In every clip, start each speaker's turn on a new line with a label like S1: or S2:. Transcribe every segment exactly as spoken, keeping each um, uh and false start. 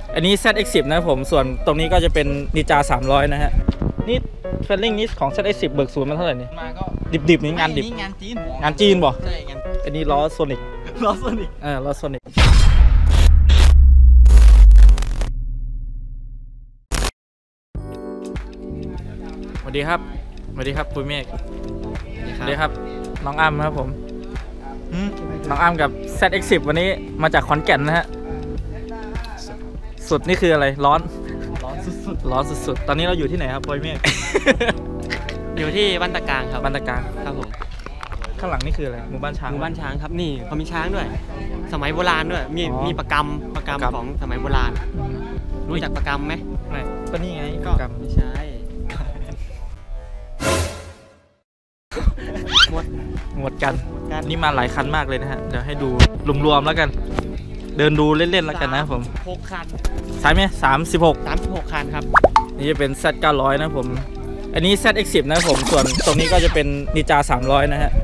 S1: อันนี้ แซด เอ็กซ์ สิบ นะผมส่วนตรงนี้ก็จะเป็นนินจาสามร้อยนะฮะนี่เฟลลิ่งนี้ของ แซด เอ็กซ์ สิบ เบิกศูนย์มันเท่าไหร่นี่
S2: มาก็
S1: ดิบๆนี่งานดิบ
S2: งานจีน
S1: งานจีนบ่
S2: ใช่งาน
S1: อันนี้ล้อโซนิก
S2: ล้อโซนิก
S1: เออล้อโซนิกสวัสดีครับสวัสดีครับปุ้ยเมฆสวัสดีครับน้องอ้ำครับผมน้องอ้ำกับ แซด เอ็กซ์ สิบ วันนี้มาจากขอนแก่นนะฮะสุดนี่คืออะไรร้อน
S2: ร้อนสุด
S1: ๆร้อนสุดๆตอนนี้เราอยู่ที่ไหนครับปุ้ยเมฆ
S2: อยู่ที่บ้านตะกางครับ
S1: บ้านตะกาง
S2: ครับผม
S1: ข้างหลังนี่คืออะไรหมู่บ้านช้าง
S2: หมู่บ้านช้างครับนี่เขามีช้างด้วยสมัยโบราณด้วยมีมีประกำประกำของสมัยโบราณรู้จักประกำไหม
S1: ไม่ก็นี่ไง
S2: ก็ไม่ใช่หมด
S1: หมดกันนี่มาหลายคันมากเลยนะฮะเดี๋ยวให้ดูรวมๆแล้วกันเดินดูเล่นๆแล้วกันนะผม
S2: หกคัน
S1: ใช่ไหมสามสิบหก
S2: สามสิบหกคันครับ
S1: นี่จะเป็น แซด เก้าร้อยนะผมอันนี้ แซด เอ็กซ์ สิบ นะผมส่วนตรงนี้ก็จะเป็นนินจาสามร้อยนะฮะ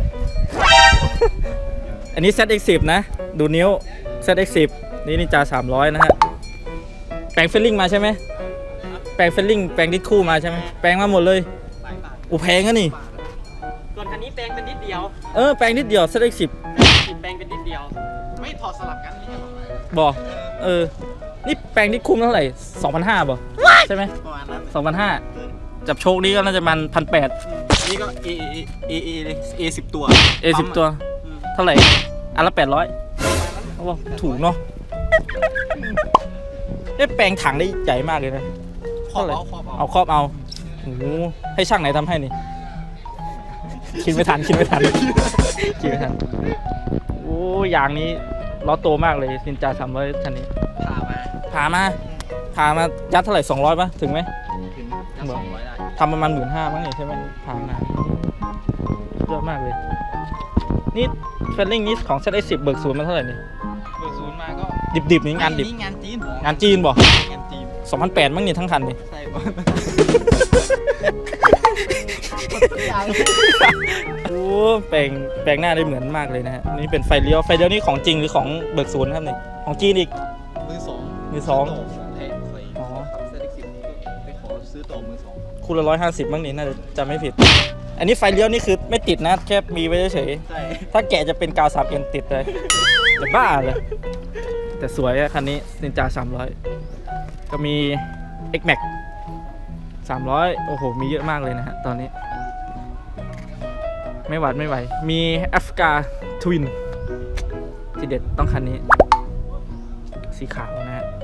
S1: อันนี้ แซด เอ็กซ์ สิบ นะดูนิ้ว แซด เอ็กซ์ สิบ นี่นินจาสามร้อยนะฮะแปลงเฟลลิ่งมาใช่ไหมแปลงเฟลลิ่งแปลงดิสคู่มาใช่ไหมแปลงมาหมดเลยอุแพงอะนี่
S2: ส่วนคันนี้แปลงเป็นนิดเดียว
S1: เออแปลงนิดเดียว แซด เอ็กซ์ สิบ
S2: แปลงเป็นนิดเดียวไม่ถอดสลับกันนี่
S1: บอกเออนี่แปลงดิสคู่เท่าไหร่ สองพันห้า บ่ใช่ไหม
S2: ประมาณนั้น
S1: สองพันห้าจับโชคนี้ก็น่าจะมัน หนึ่งพันแปดร้อย
S2: นี่ก็ A A A A A สิบตัว
S1: A สิบตัวเท่าไหร่อันละแปดร้อยเขาบอกถูกเนาะได้แปลงถังได้ใหญ่มากเลยนะ
S2: ครอบเอา
S1: เอาครอบเอาโอ้โหให้ช่างไหนทำให้นี่คิดไม่ทันคิดไม่ทันคิดไม่ทันโอ้ยางนี้ล้อโตมากเลยนินจาสามร้อยคันนี้
S2: พามา
S1: พามาพามายัดเท่าไหร่สองร้อยป่ะถึงไหม
S2: ถึงยัดสองร้อยได้
S1: ทำประมาณหมื่นห้ามั้งนี่ใช่ไหมพามาเยอะมากเลยนี่เฟลลิ่งนี้ของ แซด เอ็กซ์ สิบ เบิกศูนย์มันเท่าไหร่นี่
S2: เบิกศูนย์มาก็
S1: ดิบๆนี่งานดิบ
S2: งานจีน
S1: งานจีนบ่
S2: งานจีน
S1: สองพันแปดมั้งนี่ทั้งคันนี่
S2: ใช่บ่
S1: โอ้แปลงแปลงหน้าได้เหมือนมากเลยนะฮะนี่เป็นไฟเลี้ยวไฟเลี้ยวนี่ของจริงหรือของเบิกศูนย์ครับนี่ของจีนอีก
S2: มือสอง
S1: มือสอง
S2: อ๋อ แซด เอ็กซ์ สิบ ไปขอซื้อต่อมือสอง
S1: คู่ละร้อยห้าสิบมั้งนี่น่าจะจำไม่ผิดอันนี้ไฟเลี้ยวนี่คือไม่ติดนะแค่มีไว้เฉยๆถ้าแกะจะเป็นกาวสามเอ็นติดเลยจะบ้าเลยแต่สวยอะคันนี้นินจาสามร้อยก็มี X Max สามร้อยโอ้โหมีเยอะมากเลยนะฮะตอนนี้ไม่หวาดไม่ไหวมีแอฟริกาทวินที่เด็ดต้องคันนี้สีขาวนะฮะ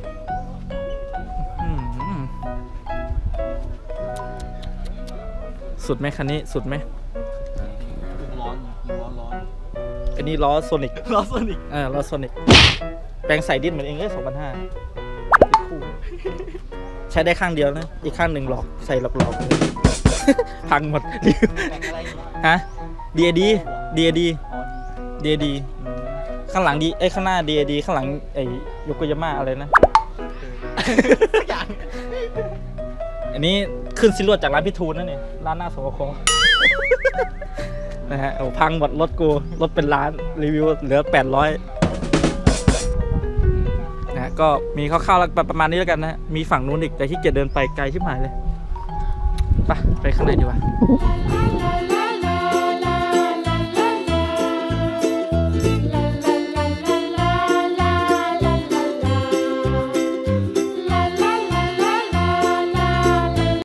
S1: สุดไหมคันนี้สุดไหม
S2: ร้อนร้อนร้อน
S1: อันนี้ล้อโซนิก
S2: ล้อโซนิก
S1: เออล้อโซนิกแปลงใส่ดินเหมือนเองเลยสองพันห้าคู่ใช้ได้ข้างเดียวนะอีกข้างหนึ่งหลอกใส่หลอกๆพังหมดฮะ ดี เอ ดี ดี เอ ดี ดี เอ ดี ข้างหลังดีไอ้ข้างหน้า ดี เอ ดี ข้างหลังไอ้โยโกยาม่าอะไรนะอันนี้ขึ้นซิลวดจากร้านพี่ทูนนั่นนี่ร้านหน้าสวคนะฮะโอ้พังหมดรถกูรถเป็นล้านรีวิวเหลือแปดร้อยนะก็มีคร่าวๆแล้วประมาณนี้แล้วกันนะมีฝั่งนู้นอีกแต่ที่เกียจเดินไปไกลชิบหายเลยไปไปข้างในดีกว่า